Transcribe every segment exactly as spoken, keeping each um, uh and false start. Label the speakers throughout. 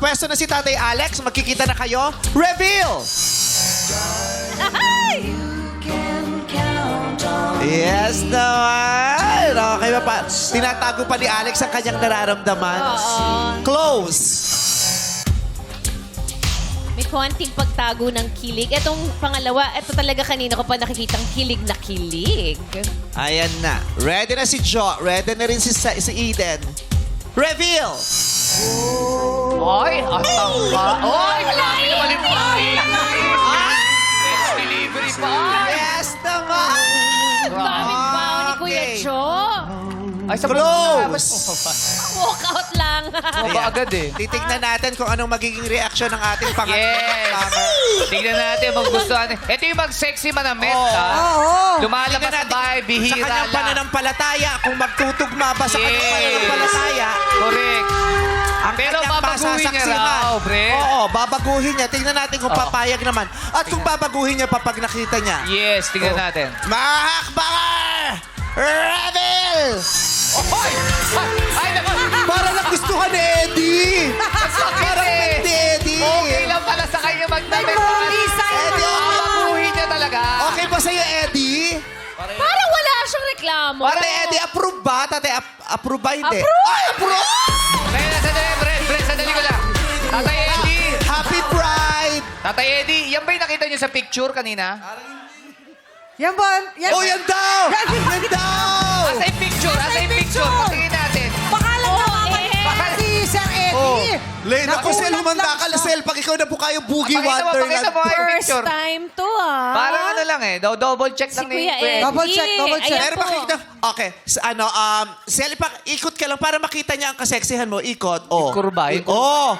Speaker 1: nakapwesto na si Tatay Alex. Magkikita na kayo. Reveal! Yes naman! Okay ba pa? Tinatago pa ni Alex ang kanyang nararamdaman. Close!
Speaker 2: May konting pagtago ng kilig. Etong pangalawa, ito talaga kanina ko pa nakikitang kilig na kilig.
Speaker 1: Ayan na. Ready na si Jo. Ready na rin si, Sa- si Eden. Reveal!
Speaker 3: Oy, ang tangka. Oy, grabe naman yung pagkain. Yes, delivery pa.
Speaker 1: Yes naman!
Speaker 2: Daming bao ni Kuya
Speaker 1: Okay.
Speaker 2: Jo.
Speaker 3: Ay, sa
Speaker 1: Close!
Speaker 2: Walk out lang.
Speaker 3: Ba agad eh.
Speaker 1: Titignan natin kung anong magiging reaksyon ng ating pangatlong
Speaker 3: Yes.
Speaker 1: comer.
Speaker 3: Tingnan natin, maggustuhan. Ito yung mag-sexy manamit,
Speaker 1: Oo.
Speaker 3: ha?
Speaker 1: Tingnan
Speaker 3: Lumalabas sa
Speaker 1: natin
Speaker 3: bahay,
Speaker 1: sa
Speaker 3: bihira
Speaker 1: kanyang
Speaker 3: lang.
Speaker 1: pananampalataya, kung magtutugma ba sa kanyang
Speaker 3: Yes.
Speaker 1: pananampalataya,
Speaker 3: Correct.
Speaker 1: ang
Speaker 3: Pero
Speaker 1: kanyang
Speaker 3: babaguhin niya
Speaker 1: pasasaksihan.
Speaker 3: raw, bre.
Speaker 1: Oo, babaguhin niya. Tingnan natin kung
Speaker 3: Oo.
Speaker 1: papayag naman. At kung babaguhin niya pa pag nakita niya.
Speaker 3: Yes, tingnan
Speaker 1: Oh.
Speaker 3: natin.
Speaker 1: Mahakbanger! Reveal!
Speaker 3: Oy! Ay, naku!
Speaker 1: Para nagustuhan ni Eddie! Parang
Speaker 3: eh.
Speaker 1: ni Eddie!
Speaker 3: Okay lang pala sa kanya magdamit.
Speaker 1: Eddie, okay.
Speaker 3: Babaguhin niya talaga.
Speaker 1: Okay ba sa'yo, Eddie?
Speaker 2: Parang wala siyang reklamo.
Speaker 1: Tate Eddie, approve ba? Tate, ap- approve ba? Hindi.
Speaker 2: Approve!
Speaker 1: Ay, approve!
Speaker 3: Kaya sandali, Brent, Brent, sandali ko lang. Tatay Eddie!
Speaker 1: Happy Pride!
Speaker 3: Tatay Eddie, yan ba yung nakita niyo sa picture kanina?
Speaker 4: Yan ba? Yan,
Speaker 1: Oh, yan daw!
Speaker 4: Yan, yan.
Speaker 1: Yan daw!
Speaker 3: Asa yung picture? Asa yung picture?
Speaker 4: picture?
Speaker 3: Patingin natin.
Speaker 4: Bakalan
Speaker 2: Oo,
Speaker 4: na mama
Speaker 2: eh.
Speaker 4: Baka- si Sir Eddie.
Speaker 1: Oh, Lane, ako, Sel,
Speaker 4: Nakulat
Speaker 1: humanda
Speaker 4: lang
Speaker 1: ka na,
Speaker 4: siya.
Speaker 1: Sel. Pag ikaw na po kayo, Boogie
Speaker 3: Pakita mo,
Speaker 1: Wonderland.
Speaker 3: pakita mo yung
Speaker 2: First
Speaker 3: picture.
Speaker 2: time to, ah.
Speaker 3: Parang ano lang eh. daw Double check
Speaker 2: Si
Speaker 3: lang ni
Speaker 2: Kuya Eddie.
Speaker 4: Double check, double check.
Speaker 2: Ayan
Speaker 1: Pero
Speaker 2: po.
Speaker 1: makikita, okay, sa ano, um, Sel, ipak, ikot ka lang para makita niya ang kaseksihan mo. Ikot, oh.
Speaker 3: Kurba, yung
Speaker 1: Oh.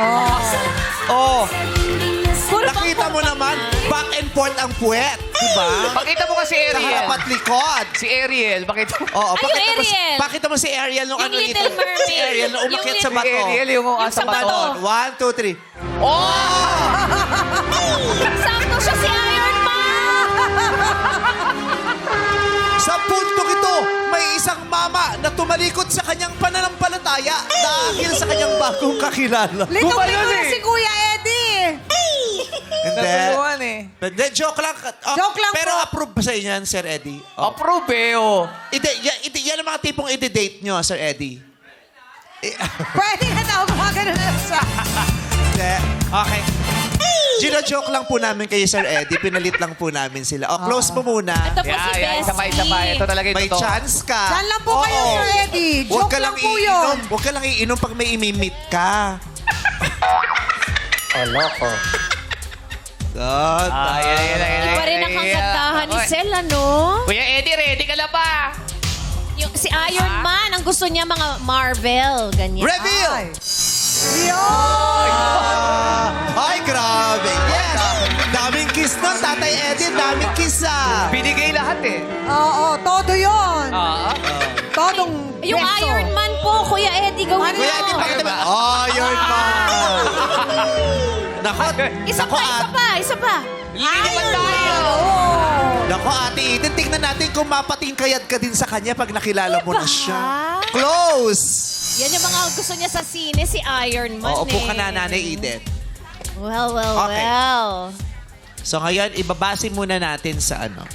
Speaker 1: Oh.
Speaker 2: Puro
Speaker 1: Nakita mo naman, back and forth ang puwet. Diba?
Speaker 3: Pakita mo kasi
Speaker 1: Sa
Speaker 3: Ariel.
Speaker 1: harap at likod.
Speaker 3: Si Ariel, pakita mo.
Speaker 1: Oo,
Speaker 2: Ay,
Speaker 1: pakita
Speaker 2: yung
Speaker 1: mo, si-
Speaker 2: Ariel.
Speaker 1: pakita mo si Ariel nung
Speaker 2: Yung
Speaker 1: ano
Speaker 2: Little Mermaid.
Speaker 1: Si Ariel nung umakyat
Speaker 2: Yung
Speaker 1: sa
Speaker 2: Little-
Speaker 1: bato.
Speaker 3: Si Ariel yung
Speaker 2: Yung
Speaker 3: asa
Speaker 2: sa
Speaker 3: bato.
Speaker 2: bato.
Speaker 1: One, two, three.
Speaker 3: Oh!
Speaker 2: Sakto siya si Iron Man.
Speaker 1: Sa puntong ito, may isang mama na tumalikod sa kanyang pananampalataya dahil sa kanyang bagong kakilala.
Speaker 4: Litong
Speaker 3: Gumayon
Speaker 4: lito
Speaker 3: eh.
Speaker 4: si Kuya Eddie.
Speaker 1: Hindi.
Speaker 3: Natulungan eh.
Speaker 1: Hindi, joke lang. Oh,
Speaker 4: Joke lang
Speaker 1: Pero
Speaker 4: po.
Speaker 1: approve ba sa inyo yan, Sir Eddie? Oh.
Speaker 3: Approve eh, oh.
Speaker 1: Ide, yan, ide, yan ang mga tipong ide-date nyo, Sir Eddie.
Speaker 4: Pwede na daw gumagano na siya.
Speaker 1: Hindi. Okay. Gino-joke lang po namin kayo, Sir Eddie. Pinalit lang po namin sila. O, close mo muna.
Speaker 2: Ito po
Speaker 3: Yeah,
Speaker 2: si
Speaker 3: yeah, isa pa, isa pa. Ito talaga yung
Speaker 1: May
Speaker 3: totoo.
Speaker 1: chance ka.
Speaker 4: Diyan lang po kayo,
Speaker 1: Oo.
Speaker 4: Sir Eddie.
Speaker 1: Huwag
Speaker 4: Joke
Speaker 1: ka
Speaker 4: lang
Speaker 1: lang
Speaker 4: po
Speaker 1: iinom.
Speaker 4: yun.
Speaker 1: Huwag ka lang iinom pag may imimit ka.
Speaker 3: Oloko.
Speaker 1: God.
Speaker 3: Ah, yan, yan, yan, yan.
Speaker 2: Iba rin ang kagandahan ni
Speaker 3: Oy.
Speaker 2: Sel, ano?
Speaker 3: Kuya Eddie, ready ka na ba?
Speaker 2: Yung, si Iron Man, ang gusto niya mga Marvel, ganyan.
Speaker 1: Reveal!
Speaker 4: Ay. Yun!
Speaker 1: Ay, grabe. Yes! Daming kiss nun, Tatay Eddie. Daming kiss ah.
Speaker 3: Binigay lahat eh.
Speaker 4: Oo, todo yun.
Speaker 3: Ah.
Speaker 4: Todong
Speaker 2: Yung
Speaker 4: beso.
Speaker 2: Iron Man po, Kuya Eddie, gawin
Speaker 4: Ano?
Speaker 2: mo.
Speaker 1: Kuya Eddie, pakita mo. Oh, you're man. Nako,
Speaker 2: Isa
Speaker 1: nako,
Speaker 2: pa, isa
Speaker 1: at,
Speaker 2: pa, isa pa.
Speaker 3: Lilipan tayo.
Speaker 1: nako, ate Eden, tingnan natin kung mapatingkayad ka din sa kanya pag nakilala mo na
Speaker 2: Diba?
Speaker 1: siya. Close!
Speaker 2: Yan yung mga gusto niya sa sine, si Iron Man
Speaker 1: Oo, upo
Speaker 2: eh.
Speaker 1: ka na, Nanay Eden.
Speaker 2: Well, well,
Speaker 1: Okay.
Speaker 2: well.
Speaker 1: So ngayon, ibabase muna natin sa ano.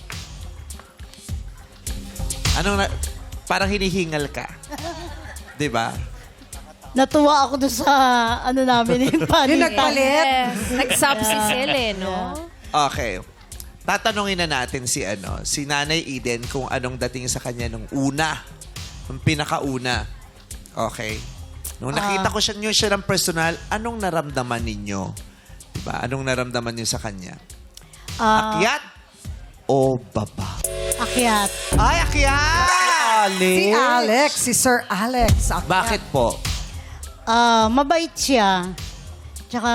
Speaker 1: Anong na, parang hinihingal ka. 'Di ba?
Speaker 5: Natuwa ako doon sa ano namin yung
Speaker 4: Yung
Speaker 5: panitan.
Speaker 4: nagpalit.
Speaker 2: Nag-sub si Sel eh, no?
Speaker 1: Okay. Tatanungin na natin si ano, si Nanay Eden kung anong dating sa kanya nung una. Nung pinakauna. Okay. Nung nakita ko siya niyo siya ng personal, anong naramdaman ninyo? 'Di ba? Anong naramdaman niyo sa kanya?
Speaker 5: Ah,
Speaker 1: Akyat o baba?
Speaker 5: akyat.
Speaker 1: Ay, akyat!
Speaker 4: Si Alex, si Sir Alex. Akyat.
Speaker 1: Bakit po?
Speaker 5: Ah, mabait siya. Tsaka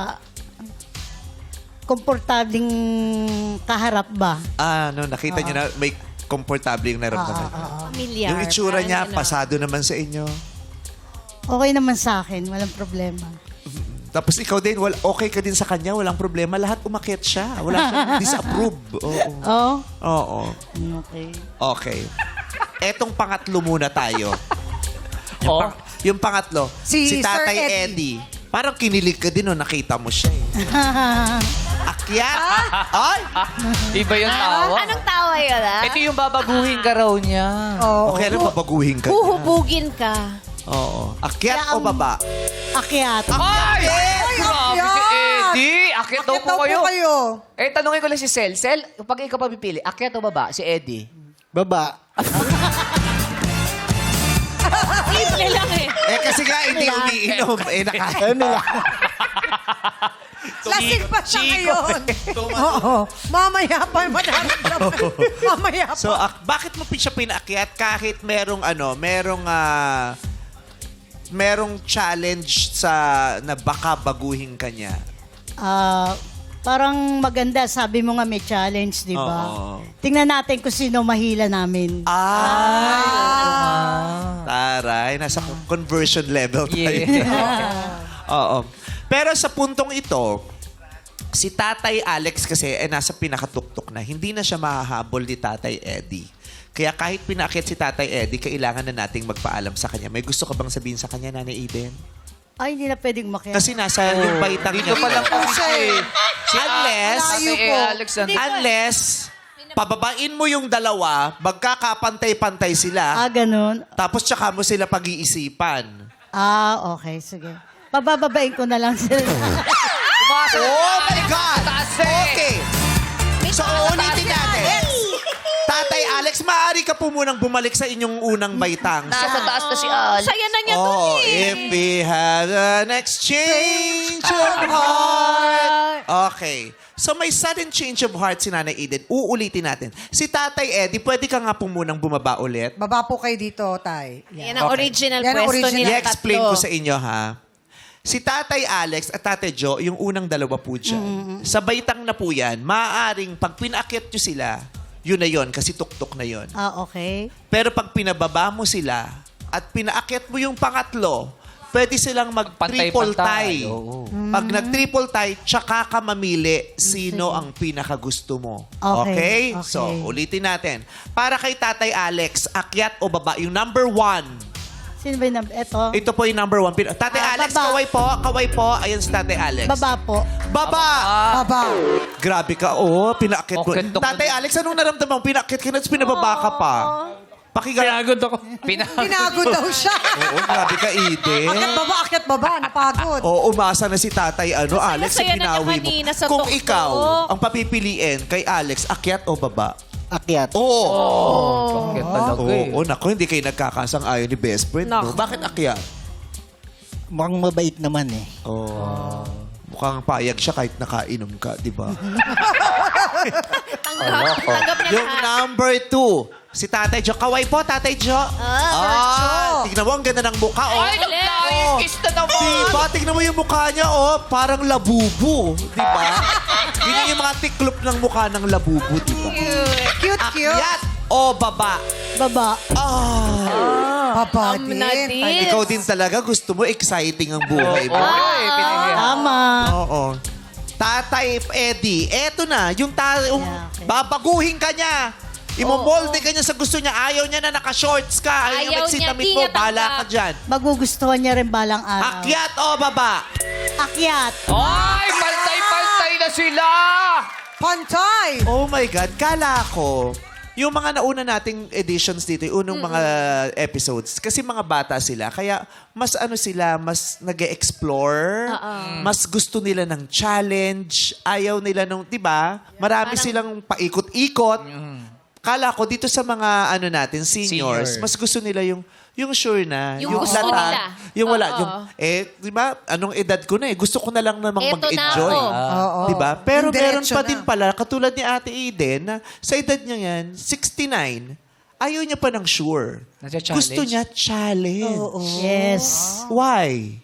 Speaker 5: komportabling kaharap ba?
Speaker 1: Ah, no, nakita niyo na may komportable yung naramdaman niya.
Speaker 2: Familiar.
Speaker 1: Yung itsura
Speaker 2: Parang
Speaker 1: niya,
Speaker 2: ano.
Speaker 1: pasado naman sa inyo.
Speaker 5: Okay naman sa akin, walang problema.
Speaker 1: Tapos ikaw din, wal, okay ka din sa kanya, walang problema. Lahat umakyat siya. Wala siyang disapprove. Oo.
Speaker 5: Oh?
Speaker 1: Oo.
Speaker 5: Okay.
Speaker 1: Okay. Etong pangatlo muna tayo. Yung,
Speaker 3: Oh.
Speaker 1: pang- yung pangatlo,
Speaker 4: Si
Speaker 1: si,
Speaker 4: Sir
Speaker 1: Tatay
Speaker 4: Eddie.
Speaker 1: Eddie. Parang kinilig ka din nung nakita mo siya eh. Akyat! Ay!
Speaker 3: Iba yung tawa.
Speaker 2: Anong tawa yun, ah?
Speaker 3: Ito yung babaguhin ka raw niya.
Speaker 4: Oo.
Speaker 1: Okay, ano babaguhin ka?
Speaker 2: Huhubugin ka.
Speaker 1: Oo. Akyat
Speaker 5: Kaya
Speaker 1: o
Speaker 5: ang-
Speaker 1: baba?
Speaker 5: Akyat.
Speaker 3: Ay! Grabe si Eddie! Akit daw
Speaker 4: Akit
Speaker 3: po
Speaker 4: daw po
Speaker 3: kayo.
Speaker 4: kayo.
Speaker 3: Eh, tanungin ko lang si Sel. Sel, pag ikaw pa pipili, akyat o baba? Si Eddie.
Speaker 6: Baba.
Speaker 2: Simple lang eh.
Speaker 1: Eh kasi nga hindi umiinom. Eh naka...
Speaker 6: Ano lang?
Speaker 4: Lasing pa siya ngayon. Oo. Mamaya pa madaramdaman. Mamaya pa.
Speaker 1: So, ak- bakit mo siya pinaakyat kahit merong ano, merong ah, merong challenge sa na baka baguhin ka niya?
Speaker 5: Ah, parang maganda, sabi mo nga may challenge, di ba?
Speaker 1: Oo.
Speaker 5: Tingnan natin kung sino mahila namin.
Speaker 1: Ay! Taray, nasa conversion level tayo.
Speaker 3: Yeah.
Speaker 1: Oo. Pero sa puntong ito, si Tatay Alex kasi eh, nasa pinakatuktok na. Hindi na siya mahahabol ni Tatay Eddie. Kaya kahit pinakit si Tatay Eddie, kailangan na nating magpaalam sa kanya. May gusto ka bang sabihin sa kanya, Nanay Eden?
Speaker 5: Ay, hindi na pwedeng makialam.
Speaker 1: Kasi nasa yung baitang
Speaker 3: Dito pa lang po siya eh.
Speaker 1: Unless,
Speaker 3: Sabi
Speaker 4: Layo
Speaker 3: eh,
Speaker 4: po.
Speaker 3: Alex, nandito.
Speaker 1: unless, pababain mo yung dalawa, magkakapantay-pantay
Speaker 5: Ah,
Speaker 1: sila,
Speaker 5: ganun.
Speaker 1: tapos tsaka mo sila pag-iisipan.
Speaker 5: Ah, okay, sige. Pabababain ko na lang sila.
Speaker 3: Umasa
Speaker 1: Oh my God!
Speaker 3: Taas eh.
Speaker 1: Okay. So, uulitin natin. Tatay Alex, maaari ka po munang bumalik sa inyong unang baitang.
Speaker 3: Nasa taas na si Alex.
Speaker 2: Saya na niya
Speaker 1: Oh,
Speaker 2: dun eh.
Speaker 1: if we had an exchange of heart. Okay. So may sudden change of heart si Nanay Eden. Uulitin natin. Si Tatay Eddie, pwede ka nga po munang bumaba ulit.
Speaker 4: Baba po kayo dito, Tay.
Speaker 2: Yan ang
Speaker 1: Okay.
Speaker 2: original
Speaker 4: Yan ang
Speaker 2: pwesto
Speaker 4: original.
Speaker 2: nila
Speaker 1: I-explain
Speaker 2: tatlo.
Speaker 1: ko sa inyo, ha? Si Tatay Alex at Tatay Joe, yung unang dalawa po dyan. Sa baitang na po yan, maaaring pag pinaakyat nyo sila, yun na yun, kasi tuktok na yun.
Speaker 5: Ah, okay.
Speaker 1: Pero pag pinababa mo sila at pinaakyat mo yung pangatlo, pwede silang mag-triple
Speaker 3: Pantay-pantay,
Speaker 1: tie.
Speaker 3: oo.
Speaker 1: Pag nag-triple tie, tsaka ka mamili sino ang pinakagusto mo.
Speaker 5: Okay,
Speaker 1: Okay?
Speaker 5: okay.
Speaker 1: So, ulitin natin. Para kay Tatay Alex, akyat o baba? Yung number one.
Speaker 5: Sino ba yung number? Ito?
Speaker 1: Ito po yung number one. Pin- Tatay
Speaker 5: Ah,
Speaker 1: Alex,
Speaker 5: baba.
Speaker 1: kaway po. Kaway po. Ayan si Tatay Alex.
Speaker 5: Baba po.
Speaker 1: Baba!
Speaker 4: Baba.
Speaker 1: Grabe ka. Oo, pinaakyat mo.
Speaker 3: Okay, tok-
Speaker 1: Tatay Alex, anong naramdaman mo? Pinaakyat ka na, tapos pinababa ka pa. Pakinggan.
Speaker 3: Pina-
Speaker 4: Pinagod daw siya.
Speaker 1: Oo, grabe ka, Eden.
Speaker 4: Akit baba, akit baba. Napagod.
Speaker 1: Oo, umasa na si Tatay ano, Alex, sa
Speaker 2: saya na niya
Speaker 1: pinawi mo.
Speaker 2: kanina sa
Speaker 1: Kung
Speaker 2: tuktok.
Speaker 1: ikaw, ang papipiliin kay Alex, akyat o baba?
Speaker 6: Akyat.
Speaker 1: Oo.
Speaker 3: Oh, bakit talaga
Speaker 1: Oo,
Speaker 3: eh.
Speaker 1: oo, naku, hindi kayo nagkakasang-ayon ni best friend. No?
Speaker 2: Naku.
Speaker 1: Bakit akyat?
Speaker 6: Mukhang mabait naman eh.
Speaker 1: Oo. Mukhang payag siya kahit nakainom ka, di ba?
Speaker 2: Tanggap, tanggap niya
Speaker 1: Yung
Speaker 2: lahat.
Speaker 1: number two, si Tatay Jo. Kaway po, Tatay Jo. Ah, tignan mo, ang ganda ng mukha. Oh.
Speaker 3: Ay, nag-flying kiss na naman.
Speaker 1: Diba? Tignan mo yung mukha niya, oh. Parang labubo. Diba? Yun yung mga tiklop ng mukha ng labubo, diba?
Speaker 4: Cute, cute.
Speaker 1: Akyat o baba?
Speaker 5: Baba.
Speaker 1: Ah.
Speaker 4: Baba
Speaker 2: Am
Speaker 4: din.
Speaker 2: na din.
Speaker 1: Ikaw din talaga, gusto mo exciting ang buhay mo.
Speaker 3: Ay, pinigyan.
Speaker 5: Tama.
Speaker 1: Oo. Tatay Eddie, eto na, yung ta- yung
Speaker 5: Yeah, okay.
Speaker 1: babaguhin ka niya. Imomolde ka niya sa gusto niya. Ayaw niya na naka-shorts ka. Ayaw,
Speaker 2: Ayaw
Speaker 1: niya
Speaker 2: niya,
Speaker 1: magsitamit
Speaker 2: di
Speaker 1: mo.
Speaker 2: niya
Speaker 1: Bala
Speaker 2: tanggap.
Speaker 1: ka dyan.
Speaker 5: Magugustuhan niya rin balang araw.
Speaker 1: Akyat o baba?
Speaker 5: Akyat.
Speaker 3: Ay, pantay-pantay na sila.
Speaker 4: Pantay.
Speaker 1: Oh my God, kala ko, yung mga nauna nating editions dito, yung unang mga episodes, kasi mga bata sila, kaya mas ano sila, mas nag-explore, mas gusto nila ng challenge, ayaw nila nung, di ba? Marami silang paikot-ikot. Kala ko dito sa mga ano natin, seniors,
Speaker 3: Senior.
Speaker 1: mas gusto nila yung yung sure na,
Speaker 2: Yung gusto nila.
Speaker 1: yung wala,
Speaker 2: Oo.
Speaker 1: yung eh, di ba? Anong edad ko na eh, gusto ko na lang namang
Speaker 2: Eto na
Speaker 1: mag-enjoy.
Speaker 2: ako.
Speaker 4: Oo.
Speaker 1: Di ba? Pero
Speaker 4: Yung
Speaker 1: meron
Speaker 4: diretso
Speaker 1: pa
Speaker 4: na.
Speaker 1: din pala, katulad ni Ate Eden, na sa edad niya yan, sixty-nine, ayaw niya pa ng sure.
Speaker 3: Nasa-challenge?
Speaker 1: Gusto niya challenge.
Speaker 5: Yes.
Speaker 1: Why?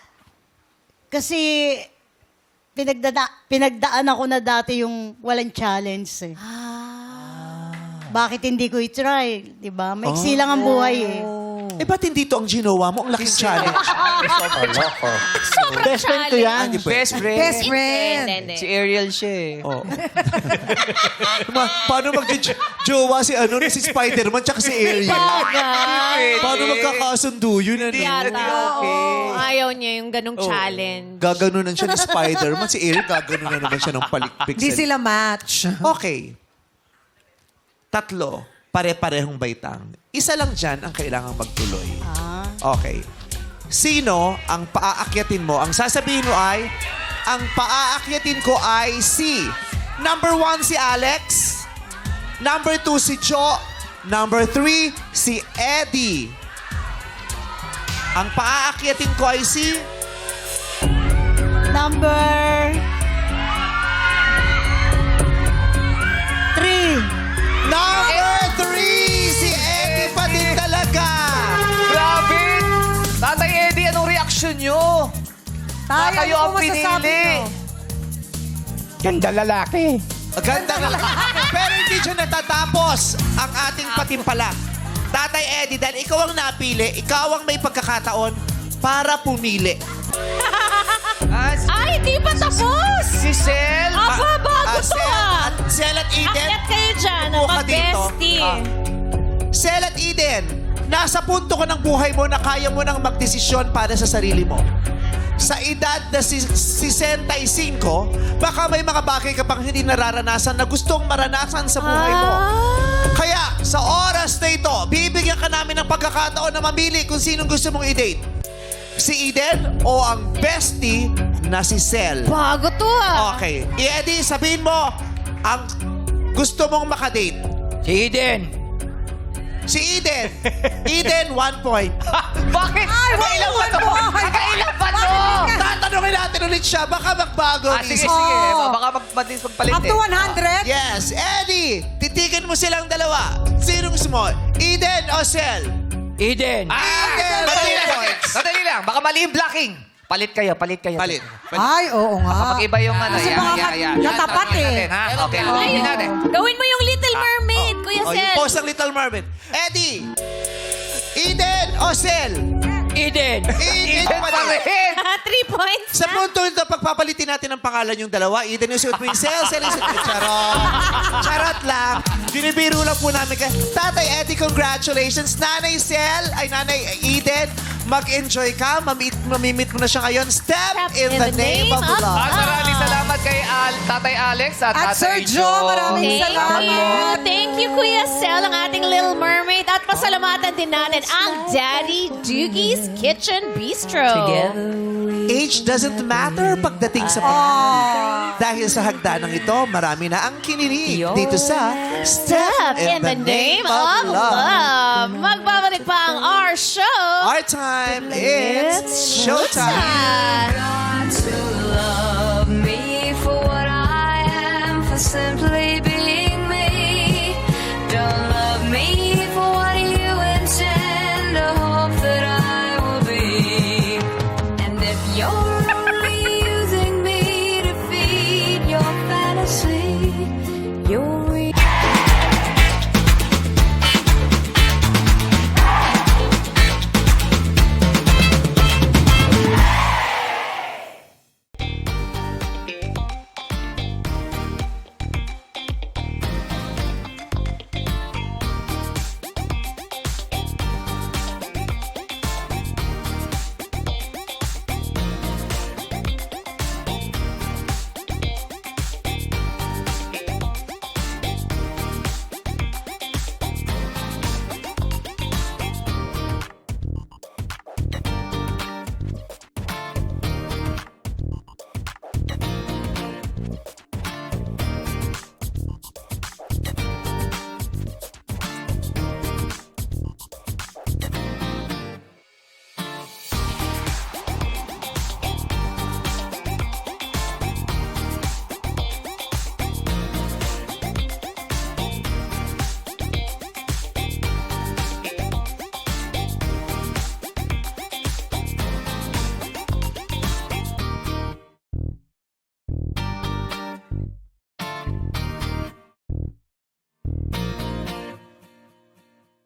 Speaker 5: Kasi pinagdada pinagdaan ako na dati yung walang challenge eh. Bakit hindi ko i-try? Di ba? Maiksi lang ang buhay eh.
Speaker 1: Eh, ba't hindi to ang ginawa mo? Ang laking challenge.
Speaker 6: Best friend ko yan.
Speaker 1: Hindi pwede.
Speaker 3: Best friend.
Speaker 4: Best friend.
Speaker 2: Hindi, hindi.
Speaker 3: Si Ariel siya eh.
Speaker 1: Oh. Ma- paano mag-jowa si ano si Spider-Man tsaka si Ariel?
Speaker 2: Bagay.
Speaker 1: Paano magkakasundo yun? Ano?
Speaker 2: Yata. Ayaw niya yung ganong challenge.
Speaker 1: Gaganunan siya ni Spider-Man. Si Ariel, gaganunan naman siya ng palikpik.
Speaker 4: Di
Speaker 1: sa-
Speaker 4: sila match.
Speaker 1: Okay. Tatlo. Pare-parehong baitang. Isa lang dyan ang kailangang magtuloy. Okay. Sino ang paaakyatin mo? Ang sasabihin mo ay, ang paaakyatin ko ay si number one si Alex, number two si Jo, number three si Eddie. Ang paaakyatin ko ay si
Speaker 5: Number... Three.
Speaker 1: number three si Eddie pa din talaga.
Speaker 3: Grabe! Tatay Eddie, anong reaksyon nyo?
Speaker 4: Tayo,
Speaker 3: Kayo
Speaker 4: ano
Speaker 3: ang
Speaker 4: po masasabi
Speaker 3: pinili.
Speaker 4: nyo?
Speaker 6: Ganda lalaki.
Speaker 1: Ganda nga. Pero hindi siya natatapos ang ating patimpalak. Tatay Eddie, dahil ikaw ang napili, ikaw ang may pagkakataon para pumili.
Speaker 3: Ah, si,
Speaker 2: Ay, hindi pa tapos!
Speaker 3: si Sel.
Speaker 2: Aba, bago
Speaker 1: Ah,
Speaker 2: to
Speaker 1: Sel
Speaker 2: ah!
Speaker 1: at Sel at Eden.
Speaker 2: Akyat kayo dyan,
Speaker 1: Upo ka dito.
Speaker 2: mag-bestie.
Speaker 1: Ah. Sel at Eden, nasa punto ko ng buhay mo na kaya mo nang magdesisyon para sa sarili mo. Sa edad na si sesenta-cinco, baka may mga bagay ka pang hindi nararanasan na gustong maranasan sa buhay mo.
Speaker 2: Ah.
Speaker 1: Kaya, sa oras na ito, bibigyan ka namin ng pagkakataon na mamili kung sinong gusto mong i-date. Si Eden o ang bestie na si Sel.
Speaker 2: Bago to ah!
Speaker 1: Okay. I-Eddie, sabihin mo ang gusto mong makadate.
Speaker 3: Si Eden.
Speaker 1: Si Eden. Eden, one point.
Speaker 3: Bakit?
Speaker 4: Ay,
Speaker 3: Nakailan pa
Speaker 4: one
Speaker 3: to?
Speaker 4: point.
Speaker 3: Nakailan pa to?
Speaker 1: Tatanungin natin ulit siya. Baka magbago.
Speaker 3: Ah,
Speaker 1: ang
Speaker 3: sige,
Speaker 1: isip.
Speaker 3: sige.
Speaker 4: Oh.
Speaker 3: Baka magpatis magpalit
Speaker 4: Up
Speaker 3: eh.
Speaker 4: to one hundred?
Speaker 1: Yes. Eddie, titigan mo silang dalawa. Sinong gusto mo? Eden o Sel?
Speaker 3: Eden. Ah!
Speaker 1: Eden,
Speaker 3: Madali
Speaker 1: two
Speaker 3: lang.
Speaker 1: points.
Speaker 3: Madali lang. Baka mali yung blocking. Palit kayo, palit kayo.
Speaker 1: Palit.
Speaker 4: Ay, oo nga.
Speaker 3: Mag-iba yung ano.
Speaker 4: Kasi
Speaker 3: Yan,
Speaker 4: baka
Speaker 3: yan, yan.
Speaker 4: katapat
Speaker 3: Tanungin
Speaker 4: eh.
Speaker 3: natin, ha? Okay,
Speaker 2: Ay,
Speaker 3: tanungin natin.
Speaker 2: gawin mo yung Little Mermaid, Kuya
Speaker 1: O, yung
Speaker 2: Sel.
Speaker 1: post ng Little Mermaid. Eddie, Eden o Sel?
Speaker 3: Eden.
Speaker 1: Eden pa
Speaker 3: pa
Speaker 1: rin.
Speaker 3: rin.
Speaker 2: Three points
Speaker 1: Sa
Speaker 2: na.
Speaker 1: punto ito, pagpapalitin natin ang pangalan yung dalawa. Eden yung suot mo yung Sel, Sel yung suot mo. Charot. Charot lang. Binibiro lang po namin kayo. Tatay Eddie, congratulations. Nanay Sel, ay Nanay Eden, mag-enjoy ka. Mamit, mamimit mo na siya ngayon. Step, in, the, name, of, love.
Speaker 3: At maraming salamat kay Al, Tatay Alex at,
Speaker 4: At
Speaker 3: Tatay
Speaker 4: Sir Joe, maraming
Speaker 2: Thank
Speaker 4: salamat.
Speaker 2: you. Thank you, Kuya Sel, ang ating Little Mermaid. At pasalamatan din natin ang Daddy Doogie's Kitchen Bistro.
Speaker 1: Age doesn't matter pagdating sa pag Dahil sa hagdanang ito, marami na ang kininig dito sa
Speaker 2: Step in the name of love. Magbabalik pa ang our show.
Speaker 1: Our time, it's showtime.
Speaker 7: God to love me for what I am, for simply being me. Don't love me for what you intend, or hope that I will be. And if you're only using me to feed your fantasy, you're.